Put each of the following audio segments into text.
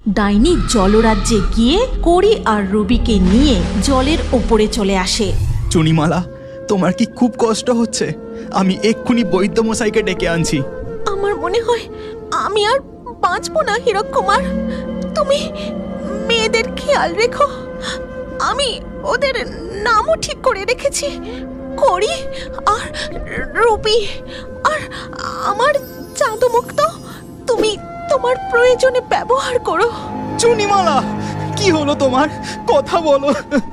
ডাইনি জলরাজ্যে গিয়ে কড়ি আর রুবিকে নিয়ে জলের ওপরে চলে আসে। চুনিমালা, তোমার কি খুব কষ্ট হচ্ছে? আমি এক্ষুনি বৈদ্যমশাইকে ডেকে আনছি। আমার মনে হয় আমি আর বাঁচবো না হীরক কুমার। তুমি মেয়েদের খেয়াল রেখো। আমি ওদের নামও ঠিক করে রেখেছি, কড়ি আর রুবি আর আমার জাদুমুক্ত। তুমি তোমার প্রয়োজনে ব্যবহার করো। চুনিমালা, কি হলো তোমার? কথা বলো,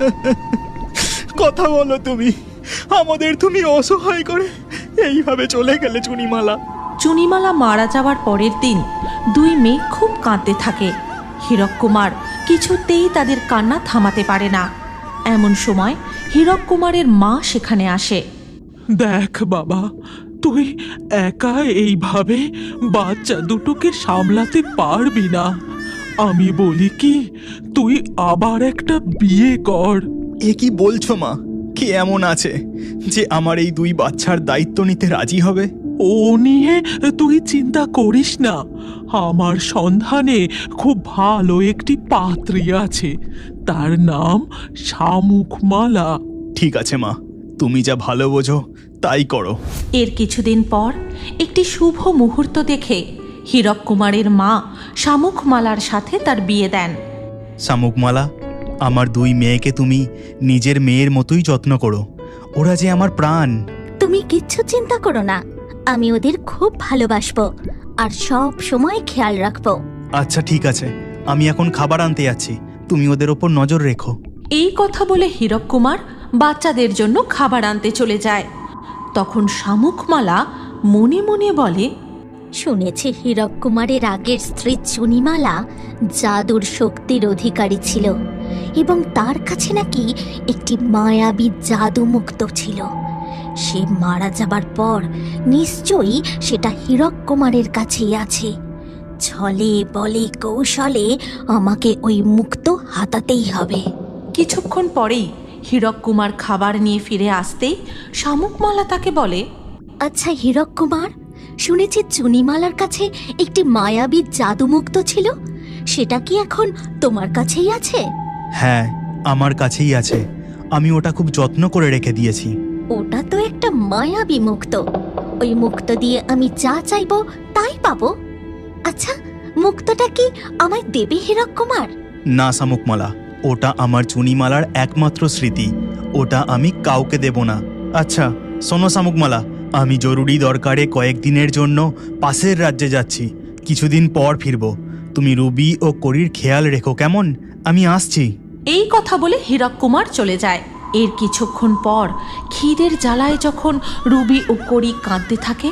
কথা বলো। তুমি আমাদের তুমি অসহায় করে এইভাবে চলে গেলে চুনিমালা। চুনিমালা মারা যাওয়ার পরের দিন দুই মেয়ে খুব কাঁদতে থাকে। হীরক কুমার কিছুতেই তাদের কান্না থামাতে পারে না। এমন সময় হীরক কুমারের মা সেখানে আসে। দেখ বাবা, তুই একা এইভাবে বাচ্চা দুটোকে সামলাতে পারবি না। আমি বলি কি, তুই আবার একটা বিয়ে কর। এ কি বলছো মা? কি এমন আছে যে আমার এই দুই বাচ্চার দায়িত্ব নিতে রাজি হবে? ও নিয়ে তুই চিন্তা করিস না। আমার সন্ধানে খুব ভালো একটি পাত্রী আছে, তার নাম শামুকমালা। ঠিক আছে মা, তুমি যা ভালো বোঝো তাই করো। এর কিছুদিন পর একটি শুভ মুহূর্ত দেখে হীরক কুমারের মা শামুকমালার সাথে তার বিয়ে দেন। শামুকমালা, আমার দুই মেয়েকে তুমি নিজের মেয়ের মতোই যত্ন করো। ওরা যে আমার প্রাণ। তুমি কিচ্ছু চিন্তা করো না, আমি ওদের খুব ভালোবাসবো আর সব সময় খেয়াল রাখবো। আচ্ছা ঠিক আছে, আমি এখন খাবার আনতে যাচ্ছি, তুমি ওদের ওপর নজর রেখো। এই কথা বলে হীরক কুমার বাচ্চাদের জন্য খাবার আনতে চলে যায়। তখন শামুকমালা মনে মনে বলে, শুনেছি হীরক কুমারের আগের স্ত্রী চুনিমালা জাদুর শক্তির অধিকারী ছিল এবং তার কাছে নাকি একটি মায়াবী জাদু মুক্ত ছিল। সে মারা যাবার পর নিশ্চয়ই সেটা হীরক কুমারের কাছেই আছে। ছলে বলে কৌশলে আমাকে ওই মুক্ত হাতাতেই হবে। কিছুক্ষণ পরেই হীরক কুমার খাবার নিয়ে ফিরে আসতেই শামুকমালা তাকে বলে, আচ্ছা হীরক কুমার, শুনেছি চুনিমালার কাছে একটি মায়াবী জাদুমুক্ত ছিল, সেটা কি এখন তোমার কাছেই আছে? হ্যাঁ, আমার কাছেই আছে। আমি ওটা খুব যত্ন করে রেখে দিয়েছি। ওটা তো একটা মায়াবী মুক্ত। ওই মুক্ত দিয়ে আমি যা চাইবো তাই পাবো। আচ্ছা, মুক্তটা কি আমায় দেবে হীরক কুমার? না শামুকমালা, ওটা আমার চুনিমালার একমাত্র স্মৃতি। ওটা আমি কাউকে দেব না। আচ্ছা শোনো শামুকমালা, আমি জরুরি দরকারে কয়েকদিনের জন্য পাশের রাজ্যে যাচ্ছি। কিছুদিন পর ফিরব। তুমি রুবি ও কড়ির খেয়াল রেখো, কেমন? আমি আসছি। এই কথা বলে হীরক কুমার চলে যায়। এর কিছুক্ষণ পর খিদের জ্বালায় যখন রুবি ও কড়ি কাঁদতে থাকে,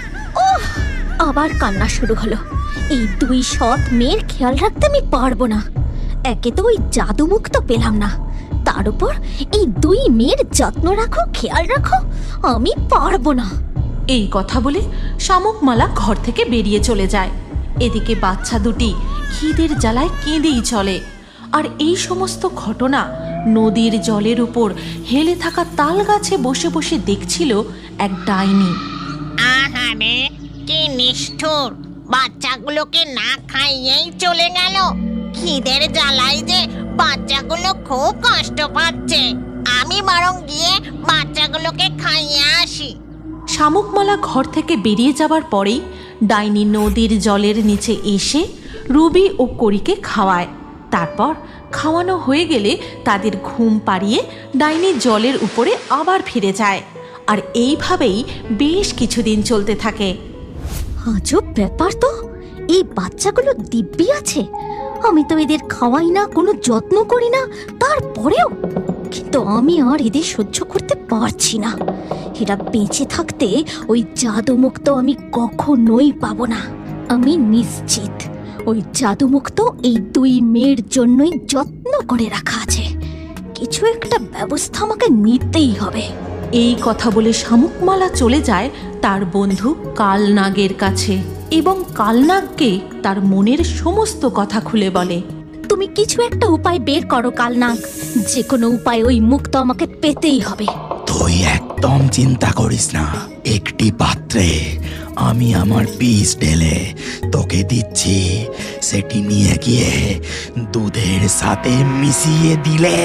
আবার কান্না শুরু হলো। এই দুই সৎ মেয়ের খেয়াল রাখতে আমি পারবো না। একে তো ওই জাদুমুক্ত পেলাম না, তার উপর এই দুই মেয়ের যত্ন রাখো, খেয়াল রাখো, আমি পারবো না। এই কথা বলে শামুকমালা ঘর থেকে বেরিয়ে চলে যায়। এদিকে বাচ্চা দুটি খিদের জ্বালায় কেঁদেই চলে। আর এই সমস্ত ঘটনা নদীর জলের উপর হেলে থাকা তাল গাছে বসে বসে দেখছিল এক ডাইনি। আহারে, কি নিষ্ঠুর! বাচ্চাগুলোকে না খাইয়েই চলে গেল। খিদের জ্বালায় যে বাচ্চাগুলো খুব কষ্ট পাচ্ছে। আমি বরং গিয়ে বাচ্চাগুলোকে খাইয়ে আসি। শামুকমালা ঘর থেকে বেরিয়ে যাবার পরেই ডাইনি নদীর জলের নিচে এসে রুবি ও কড়িকে খাওয়ায়। তারপর খাওয়ানো হয়ে গেলে তাদের ঘুম পাড়িয়ে ডাইনি জলের উপরে আবার ফিরে যায়। আর এইভাবেই বেশ কিছুদিন চলতে থাকে। আজব ব্যাপার তো, এই বাচ্চাগুলো দিব্যি আছে। আমি তো এদের খাওয়াই না, কোনো যত্ন করি না, তারপরেও কিন্তু আমি আর এদের সহ্য করতে পারছি না। এরা বেঁচে থাকতে ওই জাদুমুক্ত আমি কখনোই পাবো না। আমি নিশ্চিত ওই জাদুমুক্ত এই দুই মেয়ের জন্যই যত্ন করে রাখা আছে। কিছু একটা ব্যবস্থা আমাকে নিতেই হবে। এই কথা বলে শামুকমালা চলে যায় তার বন্ধু কালনাগের কাছে এবং কালনাগকে তার মনের সমস্ত কথা খুলে বলে। তুমি কিছু একটা উপায় বের করো কালনাগ, যে কোনো উপায় ওই মুক্ত আমাকে পেতেই হবে। তুই একদম চিন্তা করিস না, একটি পাত্রে আমি আমার বিষ ঢেলে তোকে দিচ্ছি, সেটি নিয়ে গিয়ে দুধের সাথে মিশিয়ে দিলে।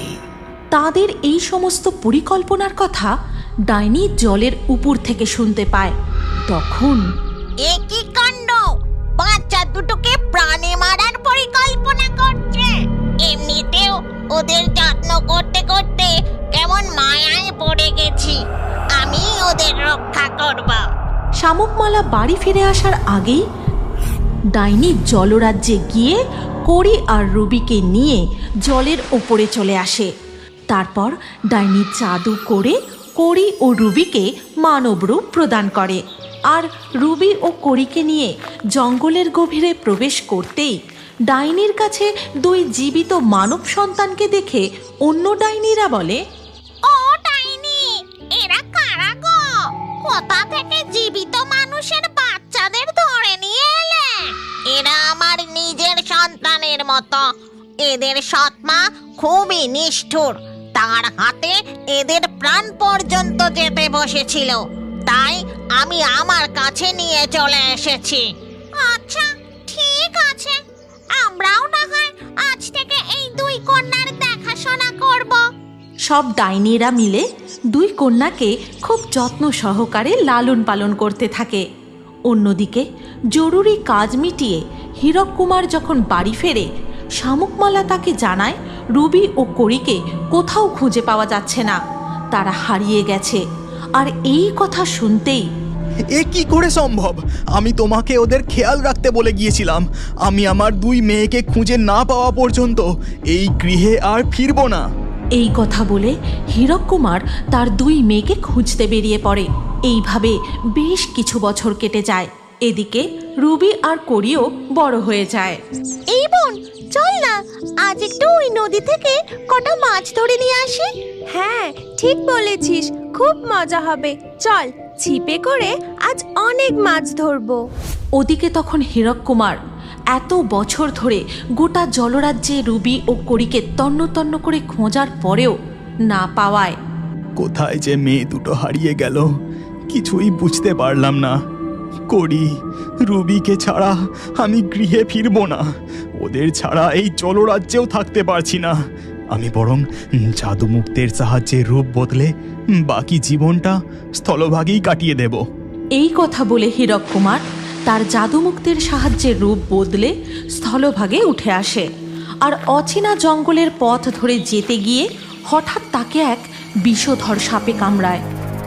তাদের এই সমস্ত পরিকল্পনার কথা ডাইনি জলের উপর থেকে শুনতে পায়। তখন এ কি কাণ্ড! বাচ্চা দুটোকে প্রাণে মারার পরিকল্পনা করছে। এমনিতেও ওদের যত্ন করতে করতে কেমন মায়ায় পড়ে গেছি। আমি ওদের রক্ষা করব। শামুকমালা বাড়ি ফিরে আসার আগেই ডাইনি জলরাজ্যে গিয়ে কড়ি আর রুবিকে নিয়ে জলের ওপরে চলে আসে। তারপর ডাইনি জাদু করে কড়ি ও রুবিকে মানব রূপ প্রদান করে। আর রুবি ও কড়িকে নিয়ে জঙ্গলের গভীরে প্রবেশ করতেই ডাইনির কাছে দুই জীবিত মানব সন্তানকে দেখে অন্য ডাইনিরা বলে, ও ডাইনি, এরা কারা গো? কোথা থেকে জীবিত মানুষের বাচ্চাদের ধরে নিয়ে এলে? এরা আমার নিজের সন্তানের মতো। এদের সৎমা খুবই নিষ্ঠুর। তার হাতে এদের প্রাণ পর্যন্ত যেতে বসেছিল, তাই আমি আমার কাছে নিয়ে চলে এসেছি। আচ্ছা, ঠিক আছে, আমরাও না হয় আজ থেকে এই দুই কন্যার দেখাশোনা করব। সব ডাইনিরা মিলে দুই কন্যাকে খুব যত্ন সহকারে লালন পালন করতে থাকে। অন্যদিকে জরুরি কাজ মিটিয়ে হীরক কুমার যখন বাড়ি ফেরে, শামুকমালা তাকে জানায় রুবি ও কড়িকে কোথাও খুঁজে পাওয়া যাচ্ছে না, তারা হারিয়ে গেছে। আর এই কথা শুনতেই, এ কি করে সম্ভব? আমি তোমাকে ওদের খেয়াল রাখতে বলে গিয়েছিলাম। আমি আমার দুই মেয়েকে খুঁজে না পাওয়া পর্যন্ত এই গৃহে আর ফিরবো না। এই কথা বলে হীরক কুমার তার দুই মেয়েকে খুঁজতে বেরিয়ে পড়ে। এইভাবে বেশ কিছু বছর কেটে যায়। এদিকে রুবি আর কড়িও বড় হয়ে যায়। এই বোন, চল না আজ একটু ওই নদী থেকে কটা মাছ ধরে নিয়ে আসি। হ্যাঁ, ঠিক বলেছিস, খুব মজা হবে। চল, ছিপে করে আজ অনেক মাছ ধরবো। ওদিকে তখন হীরক কুমার এত বছর ধরে গোটা জলরাজ্যে রুবি ও কড়িকে তন্ন তন্ন করে খোঁজার পরেও না পাওয়ায় কোথায় যে মেয়ে দুটো হারিয়ে গেল কিছুই বুঝতে পারলাম না। কড়ি, রুবিকে ছাড়া আমি গৃহে ফিরবো না। ওদের ছাড়া এই জলরাজ্যেও থাকতে পারছি না। আমি বরং জাদুমুক্তের সাহায্যে রূপ বদলে বাকি জীবনটা স্থলভাগেই কাটিয়ে দেব। এই কথা বলে হীরক কুমার তার জাদুমুক্তের সাহায্যে রূপ বদলে স্থলভাগে উঠে আসে। আর অচেনা জঙ্গলের পথ ধরে যেতে গিয়ে হঠাৎ তাকে এক বিষধর সাপে কামড়ায়।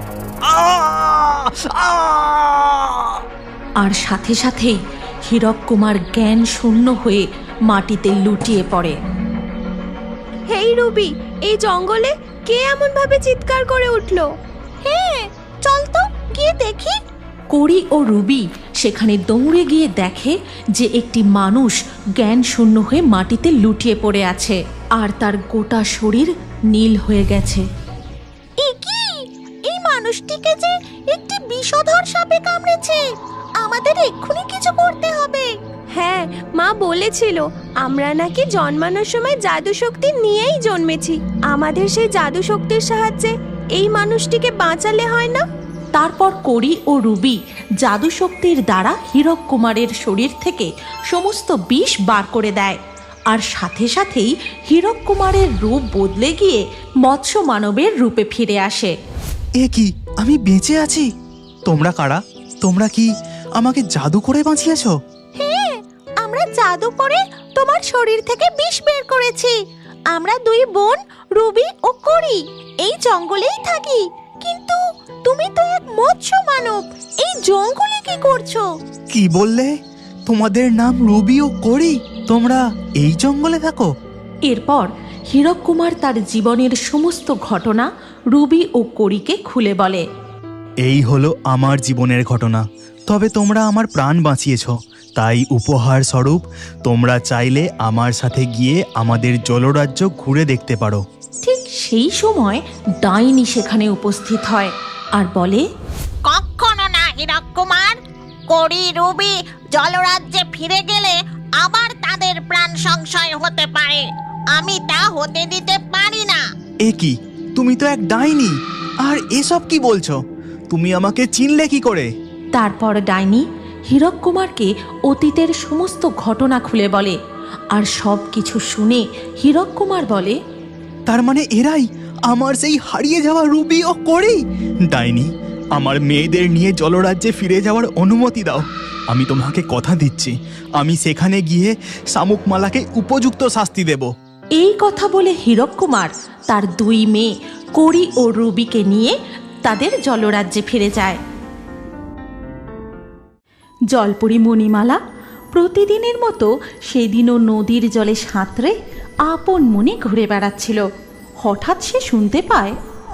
আর সাথে সাথেই হীরক কুমার জ্ঞান শূন্য হয়ে মাটিতে লুটিয়ে পড়ে। হেই রুবি, এই জঙ্গলে কে এমন ভাবে চিৎকার করে উঠলো? হ্যাঁ, চল তো গিয়ে দেখি। কড়ি ও রুবি সেখানে দৌড়ে গিয়ে দেখে যে একটি মানুষ জ্ঞান শূন্য হয়ে মাটিতে লুটিয়ে পড়ে আছে, আর তার গোটা শরীর নীল হয়ে গেছে। এ কি? এই মানুষটিকে যে একটি বিষধর সাপে কামড়েছে। আমাদের এক্ষুনি কিছু করতে হবে। হ্যাঁ, মা বলেছিল আমরা নাকি জন্মানোর সময় জাদু শক্তি নিয়েই জন্মেছি। আমাদের সেই জাদু শক্তির সাহায্যে এই মানুষটিকে বাঁচালে হয় না? তারপর কড়ি ও রুবি জাদু শক্তির দ্বারা হীরক কুমারের শরীর থেকে সমস্ত বিষ বার করে দেয়। আর সাথে সাথেই হীরক কুমারের রূপ বদলে গিয়ে মৎস্য মানবের রূপে ফিরে আসে। এ কি, আমি বেঁচে আছি? তোমরা কারা? তোমরা কি আমাকে জাদু করে বাঁচিয়েছো? হ্যাঁ, আমরা জাদু করে তোমার শরীর থেকে বিষ বের করেছি। আমরা দুই বোন রুবি ও কড়ি এই জঙ্গলেই থাকি। কিন্তু তুমি তো এক মৎস্য মানব, এই জঙ্গলে কি করছো? কি বললে? তোমাদের নাম রুবি ও কড়ি? তোমরা এই জঙ্গলে থাকো? এরপর হীরক কুমার তার জীবনের সমস্ত ঘটনা রুবি ও কড়িকে খুলে বলে। এই হলো আমার জীবনের ঘটনা। তবে তোমরা আমার প্রাণ বাঁচিয়েছ, তাই উপহার স্বরূপ তোমরা চাইলে আমার সাথে গিয়ে আমাদের জলরাজ্য ঘুরে দেখতে পারো। ঠিক সেই সময় ডাইনি সেখানে উপস্থিত হয় আর বলে, কখনো না হীরক কুমার। কড়ি রুবি জলরাজ্যে ফিরে গেলে আবার তাদের প্রাণ সংশয় হতে পারে। আমি তা হতে দিতে পারি না। এ কি, তুমি তো এক ডাইনি। আর এসব কি বলছো? তুমি আমাকে চিনলে কি করে? তারপর ডাইনি হীরক কুমারকে অতীতের সমস্ত ঘটনা খুলে বলে। আর সব কিছু শুনে হীরক কুমার বলে, তার মানে এরাই আমার সেই হারিয়ে যাওয়া রুবি ও করি। ডাইনি, আমার মেয়েদের নিয়ে জলরাজ্যে ফিরে যাওয়ার অনুমতি দাও। আমি তোমাকে কথা দিচ্ছি, আমি সেখানে গিয়ে শামুকমালাকে উপযুক্ত শাস্তি দেব। এই কথা বলে হীরক কুমার তার 2 মেয়ে করি ও রুবিকে নিয়ে তাদের জলরাজ্যে ফিরে যায়। জলপরি মণিমালা প্রতিদিনের মতো সেদিনও নদীর জলে সাঁতরে আপন মনে ঘুরে বেড়াচ্ছিল। হঠাৎ সে শুনতে পায়,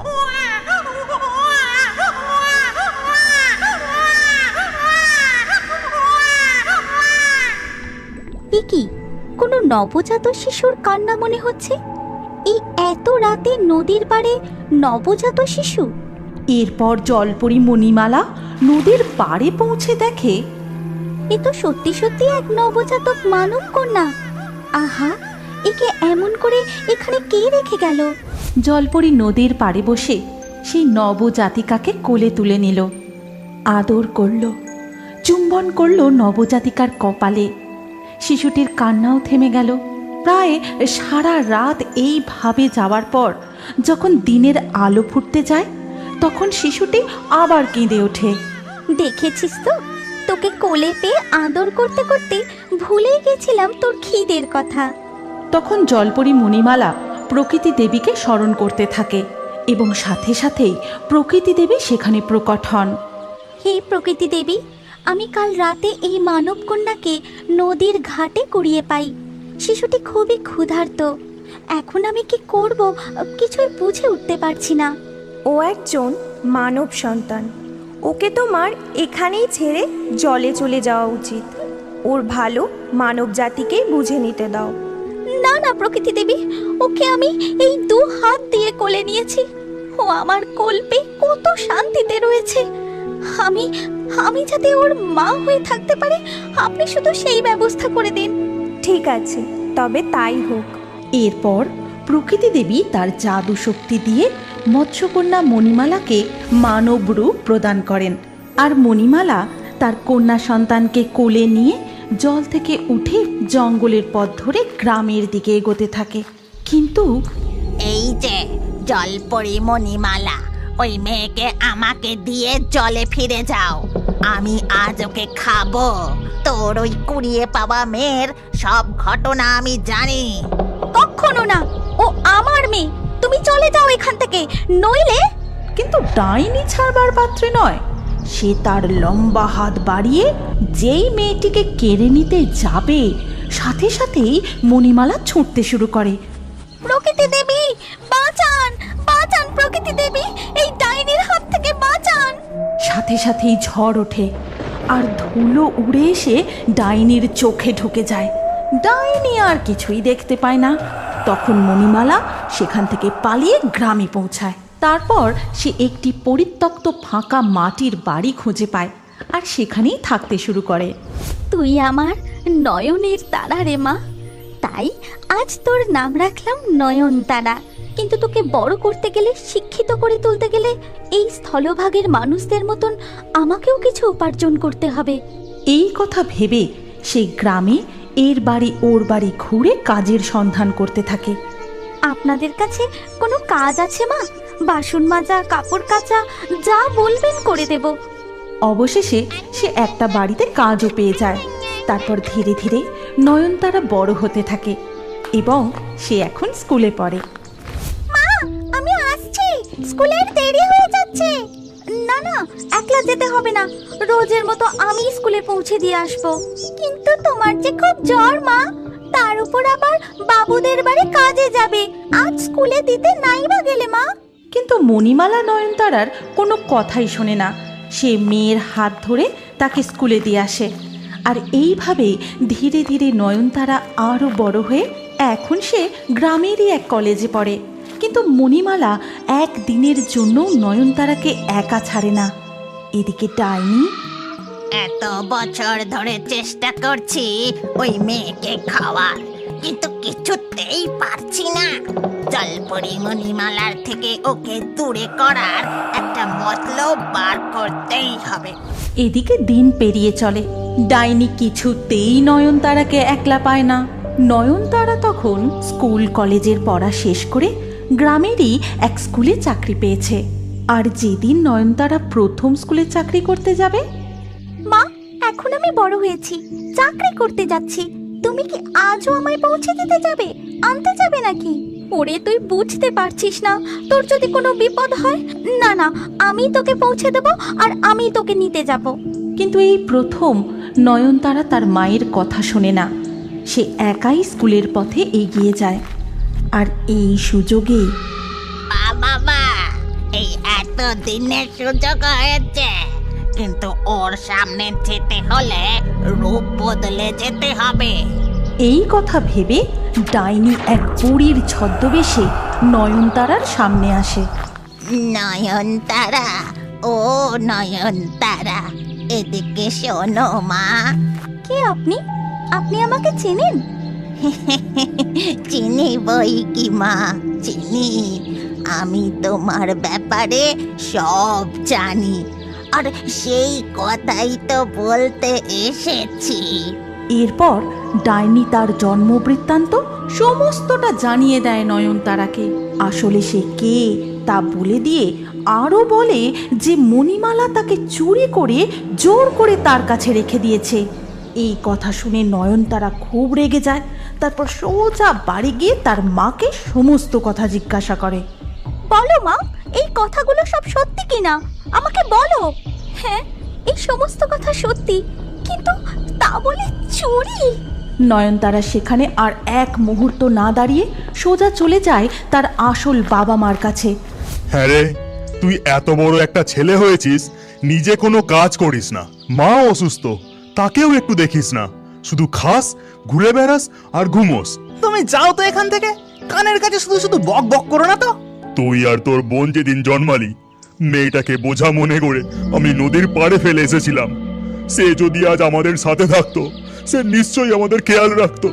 এ কি, কোনো নবজাত শিশুর কান্না মনে হচ্ছে। এই এত রাতে নদীর পাড়ে নবজাত শিশু? এরপর জলপরি মণিমালা নদীর পাড়ে পৌঁছে দেখে এ তো সত্যি সত্যি এক নবজাতক মানব কন্যা। আহা, একে এমন করে এখানে কে রেখে গেল? জলপরি নদীর পাড়ে বসে সেই নবজাতিকাকে কোলে তুলে নিল, আদর করল, চুম্বন করল নবজাতিকার কপালে। শিশুটির কান্নাও থেমে গেল। প্রায় সারা রাত এইভাবে যাওয়ার পর যখন দিনের আলো ফুটতে যায়, তখন শিশুটি আবার কেঁদে ওঠে। দেখেছিস তো, তোকে কোলে পেয়ে আদর করতে করতে ভুলেই গেছিলাম তোর খিদের কথা। তখন জলপরি মণিমালা প্রকৃতি দেবীকে স্মরণ করতে থাকে এবং সাথে সাথেই প্রকৃতি দেবী সেখানে প্রকট হন। হে প্রকৃতি দেবী, আমি কাল রাতে এই মানব কন্যাকে নদীর ঘাটে কুড়িয়ে পাই। শিশুটি খুবই ক্ষুধার্ত। এখন আমি কি করব কিছুই বুঝে উঠতে পারছি না। ও একজন মানব সন্তান, ওকে তোমার এখানেই ছেড়ে জলে চলে যাওয়া উচিত। ওর ভালো মানব জাতিকেই বুঝে নিতে দাও। না না প্রকৃতি দেবী, ওকে আমি এই 2 হাত দিয়ে কোলে নিয়েছি। ও আমার কোল পেয়ে কত শান্তিতে রয়েছে। আমি যাতে ওর মা হয়ে থাকতে পারে, আপনি শুধু সেই ব্যবস্থা করে দিন। ঠিক আছে, তবে তাই হোক। এরপর প্রকৃতি দেবী তার জাদু শক্তি দিয়ে মৎস্যকন্যা মণিমালাকে মানব রূপ প্রদান করেন। আর মণিমালা তার কন্যা সন্তানকে কোলে নিয়ে জল থেকে উঠে জঙ্গলের পথ ধরে গ্রামের দিকে এগোতে থাকে। কিন্তু এই যে জলপরি মণিমালা, ওই মেয়েকে আমাকে দিয়ে জলে ফিরে যাও। আমি আজ ওকে খাবো। তোর ওই কুড়িয়ে পাওয়া মেয়ের সব ঘটনা আমি জানি। কখনো না, ও আমার মেয়ে। তুমি চলে যাও এখান থেকে, নইলে। কিন্তু ডাইনি ছাড়বার পাত্রে নয়। সে তার লম্বা হাত বাড়িয়ে যেই মেয়েটিকে কেড়ে নিতে যাবে, সাথে সাথেই মণিমালা ছুটতে শুরু করে। প্রকৃতি দেবী বাঁচান, বাঁচান প্রকৃতি দেবী, এই ডাইনির হাত থেকে বাঁচান। সাথে সাথেই ঝড় ওঠে আর ধুলো উড়ে এসে ডাইনির চোখে ঢুকে যায়। ডাইনি আর কিছুই দেখতে পায় না। তখন মণিমালা সেখান থেকে পালিয়ে গ্রামে পৌঁছায়। তারপর সে একটি পরিত্যক্ত ফাঁকা মাটির বাড়ি খুঁজে পায় আর সেখানেই থাকতে শুরু করে। তুই আমার নয়নের তারা রে মা, তাই আজ তোর নাম রাখলাম নয়নতারা। কিন্তু তোকে বড় করতে গেলে, শিক্ষিত করে তুলতে গেলে এই স্থলভাগের মানুষদের মতন আমাকেও কিছু উপার্জন করতে হবে। এই কথা ভেবে সেই গ্রামে এর বাড়ি ওর বাড়ি ঘুরে কাজের সন্ধান করতে থাকে। আপনাদের কাছে কোনো কাজ আছে মা? বাসন মাজা, কাপড় কাচা, যা বলবেন করে দেব। অবশেষে সে একটা বাড়িতে কাজও পেয়ে যায়। তারপর ধীরে ধীরে নয়নতারা বড় হতে থাকে এবং সে এখন স্কুলে পড়ে। মা, আমি আসছি, স্কুলের দেরি হয়ে যাচ্ছে। না না, একলা যেতে হবে না, রোজের মতো আমি স্কুলে পৌঁছে দিয়ে আসবো। কিন্তু তোমার যে খুব জ্বর মা, তার উপর আবার বাবুদের বাড়ি কাজে যাবে, আজ স্কুলে দিতে নাই বা গেলে মা। কিন্তু মণিমালা নয়নতারার কোনো কথাই শোনে না। সে মেয়ের হাত ধরে তাকে স্কুলে দিয়ে আসে। আর এইভাবে ধীরে ধীরে নয়নতারা আরও বড় হয়ে এখন সে গ্রামেরই এক কলেজে পড়ে। কিন্তু মণিমালা একদিনের জন্য নয়নতারাকে একা ছাড়ে না। এদিকে ডাইনি এত বছর ধরে চেষ্টা করছি ওই মেয়েকে খাওয়ার, কিন্তু কিছুতেই পারছি না। জলপরি মণিমালার থেকে ওকে দূরে করার একটা মতলব বার করতেই হবে। এদিকে দিন পেরিয়ে চলে। ডাইনি কিছুতেই নয়নতারাকে একলা পায় না। নয়নতারা তখন স্কুল কলেজের পড়া শেষ করে গ্রামেরই এক স্কুলে চাকরি পেয়েছে। আর যেদিন নয়নতারা প্রথম স্কুলে চাকরি করতে যাবে, মা, এখন আমি বড় হয়েছি, চাকরি করতে যাচ্ছি। তুমি কি আজও আমায় পৌঁছে দিতে যাবে, আনতে যাবে নাকি? ওরে, তুই বুঝতে পারছিস না, তোর যদি কোনো বিপদ হয়? না না, আমি তোকে পৌঁছে দেব আর আমি তোকে নিতে যাব। কিন্তু এই প্রথম নয়নতারা তার মায়ের কথা শোনে না। সে একাই স্কুলের পথে এগিয়ে যায়। আর এই সুযোগে বাবা, এই এত দিনের সুযোগ হয়েছে, কিন্তু ওর সামনে যেতে হলে রূপ বদলে যেতে হবে। এই কথা ভেবে ডাইনি এক বুড়ির ছদ্মবেশে নয়নতারার সামনে আসে। নয়নতারা, ও নয়নতারা, এদিকে শোনো মা। কে আপনি? আপনি আমাকে চেনেন? চিনি বই কি মা, চিনি। আমি তোমার ব্যাপারে সব জানি, আর সেই কথাই তো বলতে এসেছি। এরপর ডাইনি তার জন্মবৃত্তান্ত সমস্তটা জানিয়ে দেয় নয়নতারাকে। আসলে সে কে তা বলে দিয়ে আরও বলে যে মণিমালা তাকে চুরি করে জোর করে তার কাছে রেখে দিয়েছে। এই কথা শুনে নয়নতারা খুব রেগে যায়। তারপর সোজা বাড়ি গিয়ে তার মাকে সমস্ত কথা জিজ্ঞাসা করে। বলো মা, এই কথাগুলো সব সত্যি কিনা আমাকে বলো। হ্যাঁ, এই সমস্ত কথা সত্যি, কিন্তু তা বলে চুরি? নয়নতারা সেখানে আর এক মুহূর্ত না দাঁড়িয়ে সোজা চলে যায় তার আসল বাবা মার কাছে। হ্যাঁ রে, তুই এত বড় একটা ছেলে হয়েছিস, নিজে কোনো কাজ করিস না, মা অসুস্থ, তাকেও একটু দেখিস না, শুধু খাস, ঘুরে বেড়াস আর ঘুমোস। তুমি যাও তো এখান থেকে, কানের কাছে শুধু শুধু বক বক করো না তো। তুই আর তোর বোন যেদিন জন্মালি, মেয়েটাকে বোঝা মনে করে আমি নদীর পাড়ে ফেলে এসেছিলাম। সে যদি আজ আমাদের সাথে থাকতো, সে নিশ্চয়ই আমাদের খেয়াল রাখতো।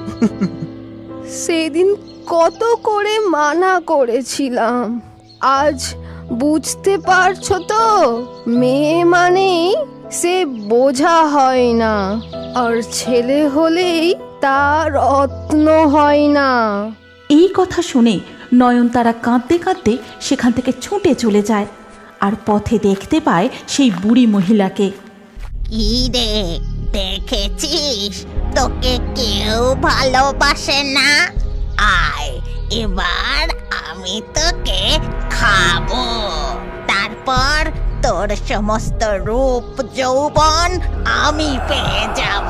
সেদিন কত করে মানা করেছিলাম, আজ বুঝতে পারছো তো? মেয়ে মানেই সে বোঝা হয় না, আর ছেলে হলেই তার রত্ন হয় না। এই কথা শুনে নয়নতারা কাঁদতে কাঁদতে সেখান থেকে ছুটে চলে যায়। আর পথে দেখতে পায় সেই বুড়ি মহিলাকে। কি রে, দেখেছিস তোকে কেউ ভালোবাসে না? আয়, এবার আমি তোকে খাবো, তারপর তোর সমস্ত রূপ যৌবন আমি পেয়ে যাব।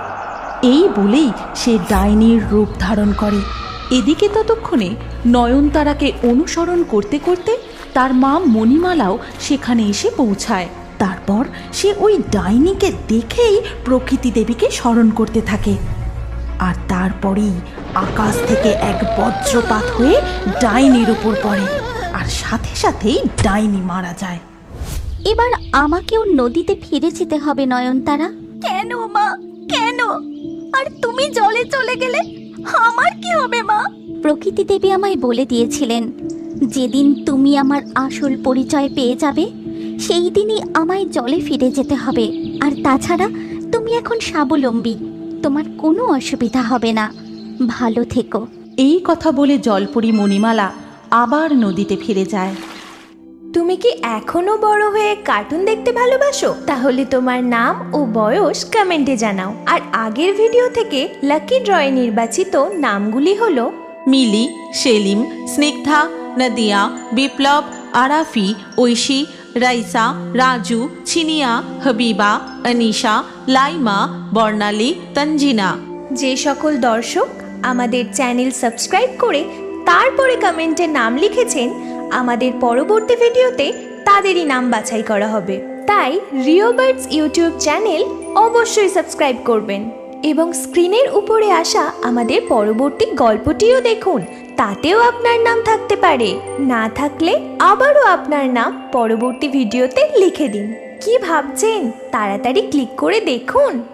এই বলেই সে ডাইনির রূপ ধারণ করে। এদিকে ততক্ষণে নয়নতারাকে অনুসরণ করতে করতে তার মা মণিমালাও সেখানে এসে পৌঁছায়। তারপর সে ওই ডাইনিকে দেখেই প্রকৃতি দেবীকে স্মরণ করতে থাকে। আর তারপরেই আকাশ থেকে এক বজ্রপাত হয়ে ডাইনির উপর পড়ে, আর সাথে সাথেই ডাইনি মারা যায়। এবার আমাকেও নদীতে ফিরে যেতে হবে নয়নতারা। কেন মা, কেন? আর তুমি জলে চলে গেলে আমার কি হবে মা? প্রকৃতি দেবী আমায় বলে দিয়েছিলেন, যেদিন তুমি আমার আসল পরিচয় পেয়ে যাবে সেই দিনই আমায় জলে ফিরে যেতে হবে। আর তাছাড়া তুমি এখন স্বাবলম্বী, তোমার কোনো অসুবিধা হবে না। ভালো থেকো। এই কথা বলে জলপরি মণিমালা আবার নদীতে ফিরে যায়। তুমি কি এখনো বড় হয়ে কার্টুন দেখতে ভালোবাসো? তাহলে তোমার নাম ও বয়স কমেন্টে জানাও। আর আগের ভিডিও থেকে লাকি ড্রয়ে নির্বাচিত নামগুলি হলো মিলি, সেলিম, স্নিগ্ধা, নদিয়া, বিপ্লব, আরাফি, ঐশী, রাইসা, রাজু, ছিনিয়া, হাবিবা, অনিশা, লাইমা, বর্ণালী, তঞ্জিনা। যে সকল দর্শক আমাদের চ্যানেল সাবস্ক্রাইব করে তারপরে কমেন্টে নাম লিখেছেন, আমাদের পরবর্তী ভিডিওতে তাদেরই নাম বাছাই করা হবে। তাই রিও বার্ডস ইউটিউব চ্যানেল অবশ্যই সাবস্ক্রাইব করবেন এবং স্ক্রিনের উপরে আসা আমাদের পরবর্তী গল্পটিও দেখুন, তাতেও আপনার নাম থাকতে পারে। না থাকলে আবারও আপনার নাম পরবর্তী ভিডিওতে লিখে দিন। কি ভাবছেন? তাড়াতাড়ি ক্লিক করে দেখুন।